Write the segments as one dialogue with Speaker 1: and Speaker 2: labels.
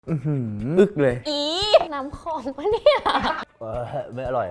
Speaker 1: อึกเลย
Speaker 2: อีน้ำของปะเนี่ย
Speaker 1: ไม่อร่อย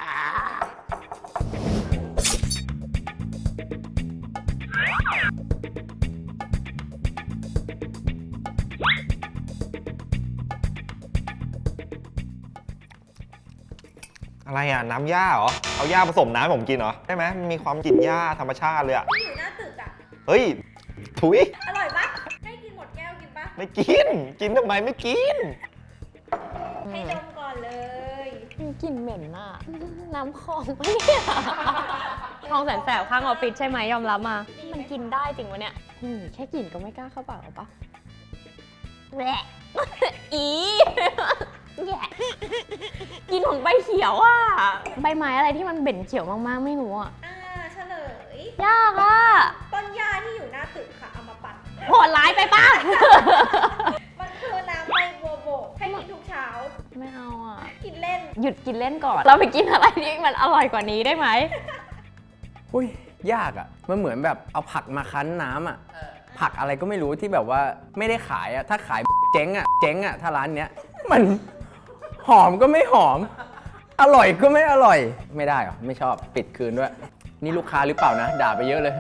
Speaker 3: อะไรอ่ะน้ำหญ้าเหรอเอาหญ้าผสมน้ำให้ผมกินเหรอใช่ไหมมันมีความกลิ่นหญ้าธรรมชาติเลยอ่ะ
Speaker 4: ที่อยู่หน้าตึกอ่ะ
Speaker 3: เฮ้ยถุย
Speaker 4: อร่อยปะให้กินหมดแก้วกินปะ
Speaker 3: ไม่กินกินทำไมไม่กิน
Speaker 4: ให้ดมก่อนเลย
Speaker 2: กลิ่นเหม็นน่ะน้ำของปะเนี่ยคลองแสนแสบข้างออฟฟิศใช่ไหมยอมรับมามันกินได้จริงวะเนี่ยแค่กลิ่นก็ไม่กล้าเข้าปากหรอปะแหวะอีแย่กินของใบเขียวอ่ะใบไม้อะไรที่มันเบ่นเขียวมากๆไม่รู้อ่ะ
Speaker 4: เฉลย
Speaker 2: ยากอ่ะ
Speaker 4: ต้นหญ้าที่อยู่หน้าตึกค่ะเอามาปั่น
Speaker 2: โหดร้ายไปป่ะ
Speaker 4: มันคือน้ำใบบัวบกให้กินทุกเช้า
Speaker 2: ไม่เอาอ่ะ
Speaker 4: กินเล่น
Speaker 2: หยุดกินเล่นก่อนเราไปกินอะไรที่มันอร่อยกว่านี้ได้ไหม
Speaker 1: อุ้ยยากอ่ะมันเหมือนแบบเอาผักมาคั้นน้ำอ่ะผักอะไรก็ไม่รู้ที่แบบว่าไม่ได้ขายอ่ะถ้าขายเจ๊งอ่ะถ้าร้านเนี้ยมันหอมก็ไม่หอมอร่อยก็ไม่อร่อยไม่ได้หรอไม่ชอบปิดคืนด้วยนี่ลูกค้าหรือเปล่านะด่าไปเยอะเลย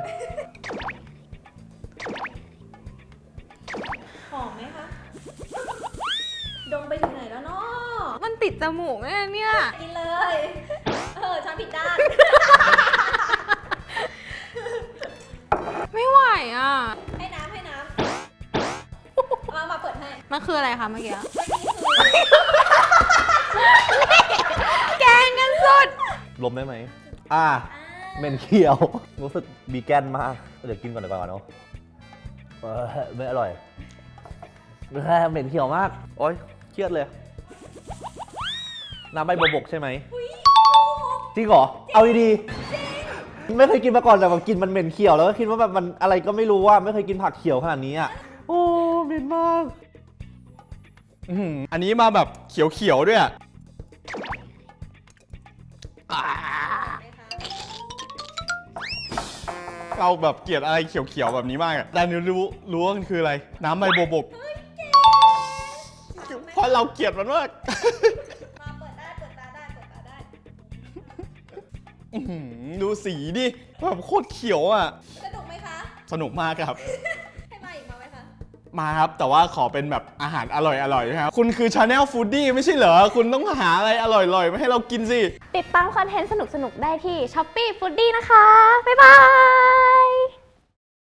Speaker 4: หอมไหมคะดมไปถึงไหนแล้วเนาะ
Speaker 2: มันติดจมูกเนี่ย
Speaker 4: กินเลยช้อนผิดด้าน
Speaker 2: ไม่ไหวอ่ะ
Speaker 4: ให้น้ำมาเปิดให้
Speaker 2: มันคืออะไรคะเมื่อกี้
Speaker 4: แก
Speaker 2: งกันสุด
Speaker 5: ลมได้ไหมเหม็นเขียวรู้สึกบีแกนมากเดี๋ยวกินก่อนดีกว่าเนาะไม่อร่อยเหม็นเขียวมากโอ๊ยเครียดเลยน้ำใบบัวบกใช่ไหมจริงเหรอเอาดีๆไม่เคยกินมาก่อนแต่แบบกินมันเหม็นเขียวแล้วก็คิดว่าแบบมันอะไรก็ไม่รู้ว่าไม่เคยกินผักเขียวขนาดนี้อ่ะโอ้เหม็นมาก
Speaker 3: อันนี้มาแบบเขียวๆด้วยเราแบบเกลียดอะไรเขียวๆแบบนี้มากอ่ะแต่รู้ว่ามันคืออะไรน้ำใบบัวบกเพราะเราเกลียดมันมาก
Speaker 4: มาเปิดตาได้
Speaker 3: ดูสีดิแบบโคตรเขียวอ่ะ
Speaker 4: สนุกไหมคะ
Speaker 3: สนุกมากครับ
Speaker 4: ให้มาอีกมาไหมคะ
Speaker 3: มาครับแต่ว่าขอเป็นแบบอาหารอร่อยๆนะครับคุณคือ Channel Foodie ไม่ใช่เหรอคุณต้องหาอะไรอร่อยๆมาให้เรากินสิ
Speaker 2: ติดตามคอนเทนต์สนุกๆได้ที่ Shopee Foodie นะคะบ๊ายบาย